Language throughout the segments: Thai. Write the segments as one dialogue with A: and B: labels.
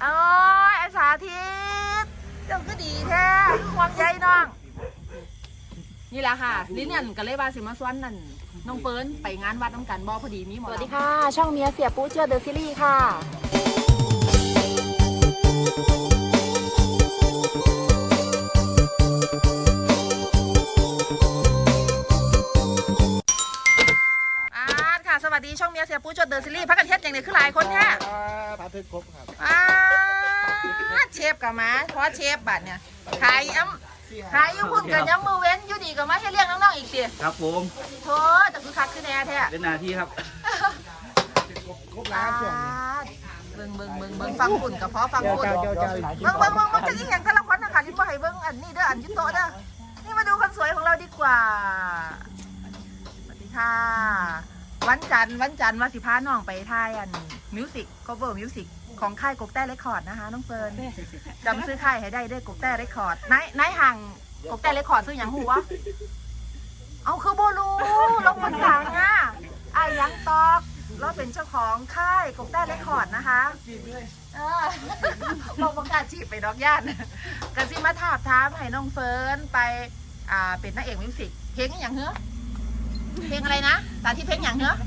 A: โอ้ยไอ้สาธิตเจ้าก็ดีแท้ห่วงใยน้องนี่แหละค่ะลิ้นเนี่ยก็เลยว่าสิมาสวนนั่นน้องเฟิร์นไปงานวัดน้ำกันบ่พอดีมีหมอ
B: สวัสดีค่ะช่องเมียเสียปูเชื่อเดอะซีรีส์ค่ะ
A: ค่ะสวัสดีช่องเมียเสียปูเชื่อเดอะซีรีส์พักกันเทศอย่างนี้คือหลายคนแท้
C: พาเทศครบครับ
A: เชฟกับมาเพราะเชฟบัตรเนี่ยขายย้ำขายยุ่งพุ่นกับย้ำมือเว้นอยู่ดีกับมาให้เลี้ยงน้องๆอีกสิ
C: ครับผม
A: โธ่แต่คือคักคือแน่แท้
C: เป็นหน้าที่ครับครบแล้วช่วง
A: เบิ่งฟังฝุ่นกับเพาะฟังฝุ่นเบิ่งจะยิ่งอย่างแต่ละคนนะคะที่บ่ให้เบิ่งอันนี้เด้ออันยุโตเด้อนี่มาดูคนสวยของเราดีกว่าสวัสดีค่ะวันจันทร์ว่าสิพาน้องไปถ่ายอันมิวสิกcoverมิวสิกของค่ายกกแต้เรคคอร์ดนะคะน้องเฟิร์นจำซื้อค่ายให้ได้ด้วยกกแต้เรคคอร์ดนายห่างกกแต้เรคคอร์ดซื้ออย่างหูวะเอาคือโบลูลงบนหลังอ่ะยังตอกเราเป็นเจ้าของค่ายกกแต้เรคคอร์ดนะคะลงประกาศจีบไปดอกย่านกันสิมาถามให้น้องเฟิร์นไปเป็นนักเอกมิวสิกเพลงอย่างเหรอเพลงอะไรนะสาธิตเพลงอย่างเหรอ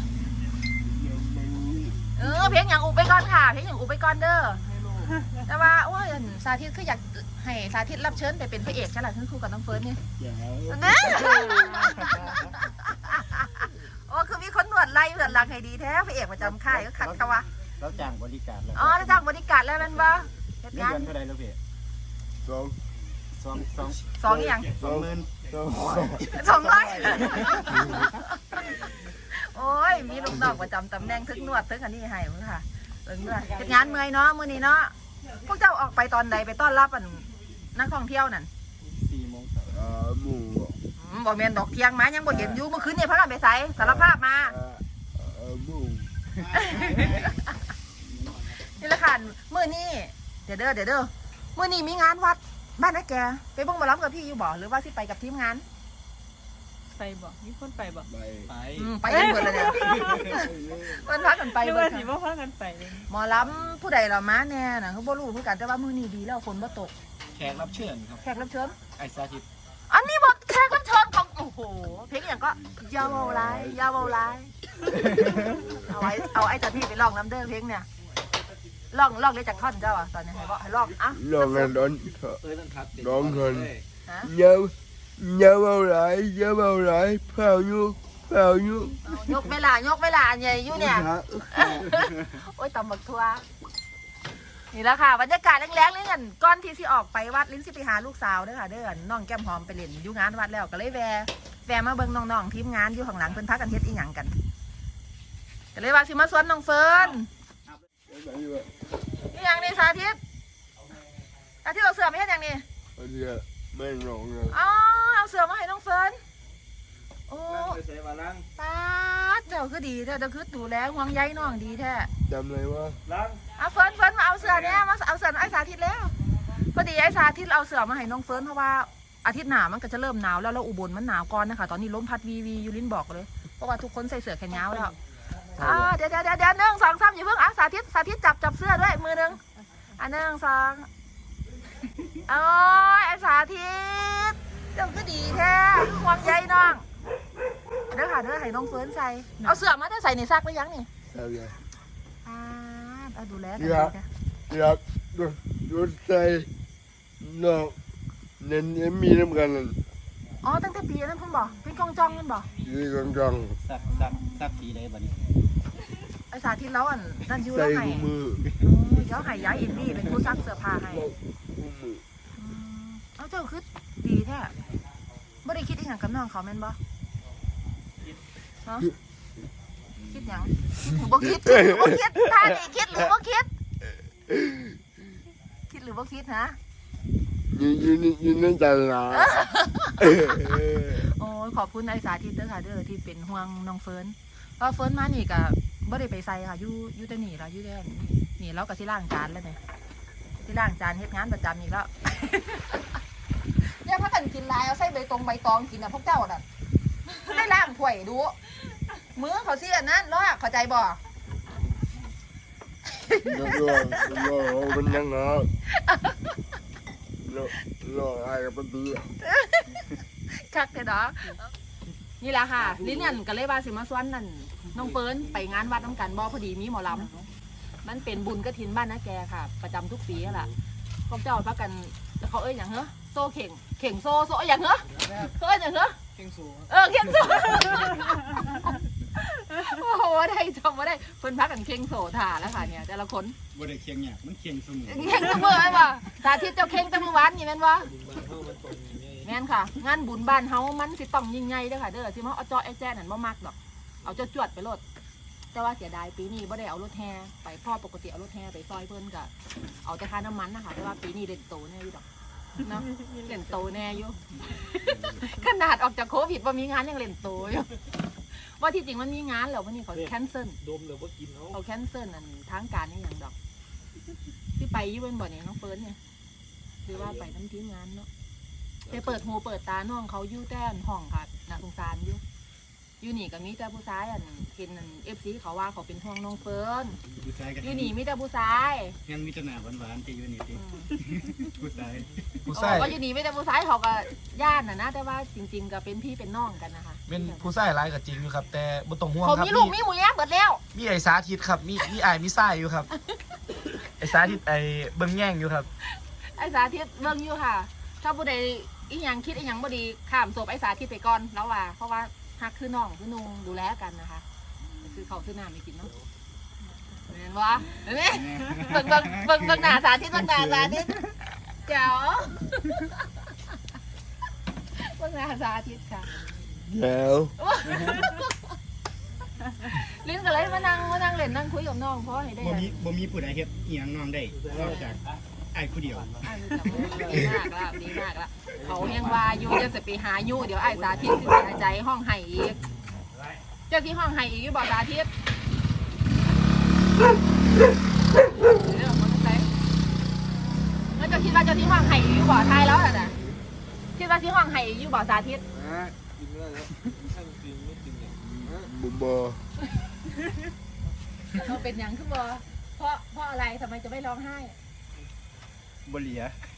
A: เพลงอย่างอุบไปก่อนค่ะเพลงอย่างอุบไปก่อนเด้อแต่ว่าโอ้ยสาธิตคืออยากให้สาธิตรับเชิญไปเป็นพระเอกใช่ไหมคือคู่กับน้องเฟิร์นนี่โอ้คือมีคนหนวดไล่หนวดหลังให้ดีแท้พระเอกประจำค่ายก็ขัดเขาวะ
C: แล้วจ้างบริการแล้ว
A: แล้วจ้างบริการแล้วนั่นปะ
C: เดือนเท่าไรแล้วพี่
A: สองอย่าง200โอ้ยมีลูกน้องประจำตำแหน่งทึกนวดทึกอันนี้ให้มึงค่ะเรื่องเฮ็ดงานเมื่อยเนาะมื้อนี้เนาะพวกเจ้าออกไปตอนใดไปต้อนรับอันนักท่องเที่ยวนั่น
C: 4 โมง
A: บ่แม่นดอกเที่ยงมายังบ่เห็นอยู่เมื่อคืนนี่พากันไปไสสารภาพมานี่ละค่ะมื้อนี้เดี๋ยวเด้อมื้อนี้มีงานวัดบ้านนะแกไปเบิ่งหมอลำกับพี่อยู่บ่หรือว่าสิไปกับทีมงาน
B: ไปบ่มีคนไปบ่
A: ไปกันหมดเลยเนี่ยเพิ่นพากันไปเบิด
B: สิบ่พากันไป
A: หมอลำผู้ใดเรามาแน่น่ะเขาบ่รู้คือกันแต่ว่ามื้อนี้ดีแล้วฝนบ่ตก
C: แขกรับเชิญครับ
A: แขกรับเชิญ
C: ไอ้สาธิต
A: อันนี้บ่แขกรับเชิญของโอ้โหเพลงอย่างก็ยาวเอาไลเอาไอ้เจ้าที่ไปร้องน้ำเด้อเพลงเนี่ยร้องเลยจากท่อนเจ้าอ่ะตอนนี้ให้บอกให้ร้องอ่ะ
D: ร้องกันร้องกันยาเอาไรเผายุ
A: ยกเวลาใหญ่อยู่เนี่ยโอ้ยตำบักทัวนี่แหละค่ะบรรยากาศแรงๆเลยกันก่อนที่สิออกไปวัดลิ้นสิไปหาลูกสาวเด้อค่ะเด้อน้องแก้มหอมไปเล่นอยู่งานวัดแล้วก็เลยแวะมาเบิ่งน้องๆทีมงานอยู่ข้างหลังเพิ่นพักกันเฮ็ดอีหยังกันก็เลยว่าสิมาสวนน้องเฟิร์นนี่อย่างนี้สาธิตเอาเสือไม่ใช่อย่างนี้
D: ไม่ร้อง
A: เลยเอาเสือมาให้น้องเฟิร์นโอ้ป้าเจ้าคือดีเจ้าคือดูแลห่วงใยน้องดีแท้
D: จำเลยว่า
A: เอาเฟิร์นมาเอาเสือเนี่ยมาเอาเสือไอ้สาธิตแล้วพอดีไอ้สาธิตเอาเสือมาให้น้องเฟิร์นเพราะว่าอาทิตย์หน้ามันก็จะเริ่มหนาวแล้วอุบลมันหนาวก่อนนะคะตอนนี้ลมพัดวียูรินบอกเลยเพราะว่าทุกคนใส่เสื้อแขนยาวแล้วเดี๋ยว1 2 3อย่าเพิ่งสาธิตจับเสื้อด้วยมือ1 1 2โอ้ยไอ้สาธิตเจ้าก็ดีแท้ห่วงใยน้องเด้อให้น้องเฟิร์นใส่เอาเสื้อมาได้ใส่ในซักหรือยังนี่ดูแลกัน
D: อยากดูใส่น้องเน้นมีน้ำกัน
A: อ๋อตั้งแต่ปีนั้นเพิ่งบอกเป็นกองจองนั่นบอก
D: กองจอง
C: สักทีเลยบัดนี้
A: ไอ้สาธิตแล้วอันนั่นยูแล้วไงเดี๋ยวให้ย้ายอินดี้เป็นผู้ซักเสื้อผ้าให้เอาเจ้าคือดีแท้ไม่ได้คิดอีกอย่างกับน้องเขาแม่นบ่คิดอย่างบ่คิดท่านี่คิดหรือบ่คิดหรือบ่คิดฮะ
D: ยืนนั่งใจนะ
A: โอ้ขอบคุณไอ้สาธิตเด้อค่ะเด้อที่เป็นห่วงน้องเฟิร์นเพราะเฟิร์นมานี่ก็บ่ได้ไปใส่ค่ะอยู่แต่นี่ละอยู่แต่นี่เราก็สิล้างจานแล้วเนี่ยที่ล้างจานเฮ็ดงานประจำอีกแล้วเนี่ยพักกันกินลายเอาใส่ใบตองกินอ่ะพวกเจ้าน่ะได้ล้างถ้วยดูมือเขาเสียนั่นล้อเข้าใจบ่
D: มันยังเหรอรออะไรกับมันดี
A: คักเด้อนี่แหละค่ะลิ้นนั่นก็เลยว่าสิมาสวนนั่นน้องเฟิร์นไปงานวัดน้ำกันบ่พอดีมีหมอลำมันเป็นบุญกฐินบ้านนะแกค่ะ ประจำทุกปีแหละพวกเจ้าพักกันเขาเอ้ยอย่างเหรอโซ่เข่งโซ่อย่างเหรอเขาเอ้ยอย่างเหรอ
C: เก่งสู
A: เข่งโซ่โอ้โหได้จำว่าได้เพิ่นพักกันเข่งโซ่ถ่าแล้วค่ะเนี่ยแต่ละคน
C: บ่ได้เคียงเนี่ยมันเคียงเสมอ
A: เข่งเสมอไหมวะสาธิตเจ้าเข่งแต่เมื่อวานนี่แม่นวะแม่นค่ะ งานบุญบ้านเฮามันสิต้องยิ่งใหญ่เด้อค่ะเด้อสิมาเอาจอไอ้แจ้นั่นบ่มักดอกเอาจวดไปโลดแต่ว่าเสียดายปีนี้บ่ได้เอารถแห่ไปพ่อปกติเอารถแห่ไปซอยเพิ่นก็เอาแต่ค่าน้ำมันนะคะแต่ว่าปีนี้เล่นโตแน่อยู่ดอกเนาะเล่นโตแน่อยู่ ขนาดออกจากโควิดว่ามีงานยังเล่นโตอยู่ว่าที่จริงมันมีงานแล้ววันนี้เขาแคนเซิล
C: ดมเลยว่ากินเขา
A: เขาแคนเซิลอันทางการนี่อย่างดอกที่ไปอยู่เป็นบ่อนี่น้องเฟิร์นเนี่ยหรือว่าไปน้ำทีมงานเนาะไปเปิดหูเปิดตาน้องเขาอยู่แต้นห้องค่ะน่าสงสารอยู่นี่ก็มีแต่ผู้ชายอันเห็นอันFCเขาว่าเขาเป็นห่วงน้องเฟิร์น
C: ผู้ชายกัน
A: อยู่นี่มีแต่ผู้ชาย
C: งั้นมีแต่หน้าหวานๆที่อยู่นี่ติผู้ชาย
E: ผู้ชาย
A: ก็อยู่นี่มีแต่ผู้ชายเขาก็ญาตินะแต่ว่าจริง ๆ ก็เป็นพี่เป็นน้องกันนะคะ
E: เป็นผู้ชายหลายก็จริงอยู่ครับ แต่บ่ต้องห่วง
A: ผม
E: ครับ
A: มีลูกมีหมูย่างเบิดแล้ว
E: มีไอ้สาธิตครับมีอ้ายมีไส้อยู่ครับ ไอ้สาธิตไอ้เบิ่งแย่งอยู่ครับ
A: ไอ้สาธิตเบิ่งอยู่ค่ะ ถ้าผู้ใดอีหยังคิดอีหยังบ่ดีข้ามศพไอ้สาธิตไปก่อนแล้วว่าเพราะว่าฮักคือน้องคือนุ่งดูแลกันนะคะคือเขาซื้อน้ำไม่กินเนาะเห็นวะเห็นไหมเบิ่งหน้าสาธิตเบิ่งหน้าสาธิตเจ๋วเบิ่งหน้าสาธิตค่ะ
D: แล้ว
A: ลิ้นก็เลยมานั่งเล่นนั่งคุยกับน้องเพราะให้ได้
C: บ่มีผู้ใดเฮ็ดอีหยังน้องได้นอกจากไอ้ผู้เดียว
A: ดีมากละดีมากละเขายังว่าอยู่จะสิไปหาอยู่เดี๋ยวไอ้สาธิตสิหายใจห้องไห้อีกเจ้าที่ห้องไห้อีกอยู่บอกสาธิตเรื่องมันใช่แล้วเจ้าคิดว่าเจ้าที่ห้องไห้อีกอยู่บอกทายแล้วน่ะคิดว่าที่ห้องไห้อีกอยู่บอกสาธิต
D: บุบอ
A: เราเป็นยังขึ้นบอเพราะอะไรทำไมจะไม่ร้องไห้
C: บ่เหลีย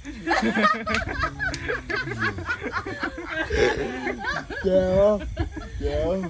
D: เจ้าเ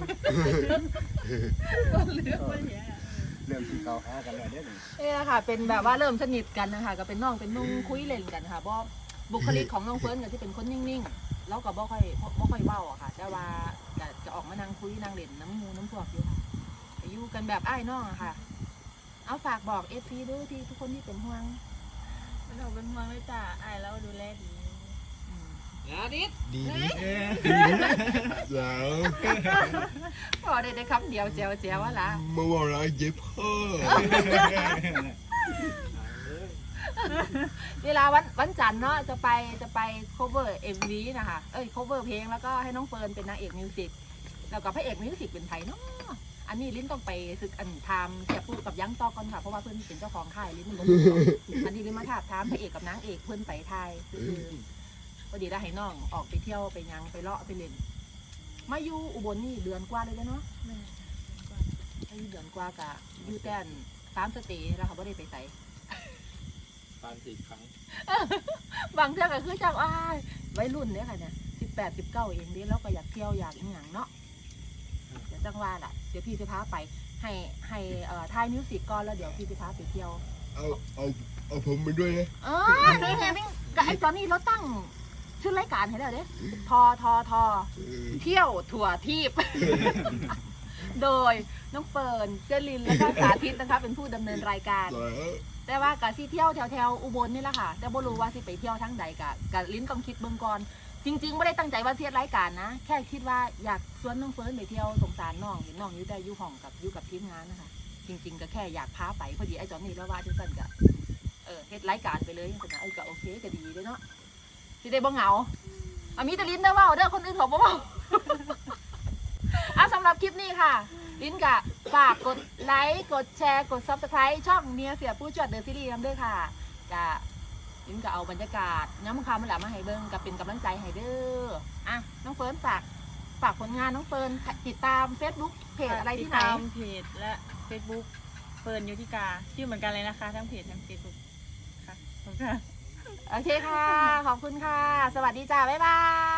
C: ริ่มสิเข้าหากันแล้วเด้อ
A: นี่แหละค่ะเป็นแบบว่าเริ่มสนิทกันนะคะก็เป็นน้องเป็นนุ่งคุยเล่นกันค่ะเพราะบุคลิกของน้องเฟิร์นก็ที่เป็นคนนิ่งๆแล้วก็บ่ค่อยเว้าอะค่ะแต่ว่าจะออกมานั่งคุยนั่งเล่นน้ำมูน้ำพวกอยู่ค่ะอยู่กันแบบอ้ายน้องอะค่ะ เอาฝากบอกFCด้วยที่ทุกคนที่เป็นห่วง
B: เราเป็นห่วงเลยจ้ะอายแล้วดูแลดี
E: ดี
D: แล้ว
A: พอได้คำเดียวเจียวว่าละ
D: มาว่าอะไรเจ็บพ่อ
A: เวลาวันจันทร์เนาะจะไป cover MV นะคะcover เพลงแล้วก็ให้น้องเฟิร์นเป็นนางเอกมิวสิกแล้วก็พระเอกมิวสิกเป็นไผ่เนาะอันนี้ลิ้นต้องไปศึกอันทำเสียปูกับยั้งต่อก่อนค่ะเพราะว่าเพื่อนเป็นเจ้าของค่ายลิ้นมันอันนี้ลิ้นมาถามพระเอกกับนางเอกเพื่อนไปไทยคือพอดีได้ให้น้องออกไปเที่ยวไปยังไปเลาะไปเล่นมาอยู่อุบลนี่เดือนกว่าเลยเนาะมาอยู่เดือนกว่ากะอยู่แต่3 สเตย์แล้วเขาไม่ได้ไปใส่
E: 3-4 ครั้ง
A: บางเที่ยวก็คือจังอ้ายวัยรุ่นเนี่ยค่ะเนี่ย18-19เองดิแล้วก็อยากเที่ยวอยากอีหยังเนาะเดี๋ยวจังว่าล่ะเดี๋ยวพี่จะพาไปให้ถ่ายมิวสิกก่อนแล้วเดี๋ยวพี่จะพาไปเที่ยว
D: เอาผมไปด้วยนะ
A: นี่ไงนี่กับไอ้ตอนนี้เราตั้งชื่อรายการให้แล้วเด้ทอเที่ยวถั่วทีบ โดยน้องเฟิร์นเจลินและก็สาธิตนะคะเป็นผู้ดำเนินรายการ แต่ว่ากะสิเที่ยวแถวอุบลนี่แหละค่ะแต่บ่รู้ว่าสิไปเที่ยวทั้งใดกะลิ้นต้องคิดเบิ่งก่อนจริงๆไม่ได้ตั้งใจว่าเทียดรายการนะแค่คิดว่าอยากชวนน้องเฟิร์นไปเที่ยวสงสารน้องเห็นน้องอยู่แต่อยู่ห้องอยู่กับทีมงานนะคะจริงๆก็แค่อยากพาไปพอดีไอ้จอนนี่แล้วว่าจังซั่นก็เฮ็ดรายการไปเลยจังซั่นก็โอเคก็ดีเลยเนาะสิได้บ่เหงามีแต่ลิ้นเด้อเว้าเด้อคนอื่นเขาบ่เว้า สำหรับคลิปนี้ค่ะลิ้นกะฝากกดไลค์กดแชร์กด Subscribe ช่องเมียเสียผู้จวดเดอะซีรีส์นำด้วยค่ะกะลิ้นกะเอาบรรยากาศย้ำคำมาแหละมาให้เบิ้งกับเป็นกำลังใจให้เด้อน้องเฟิร์นฝากผลงานน้องเฟิร์นติดตาม Facebook เพจอะไรที่ไหน
B: ติดตามเพจและ Facebook เฟิฟิร์นยุทธิกาชื่อเหมือนกันเลยนะคะ ทั้งเพจทั้งเฟซบุ๊กค่ะขอบคุณค่ะ
A: โอเคค่ะ ขอบคุณค่ะ สวัสดีจ้า บ๊ายบาย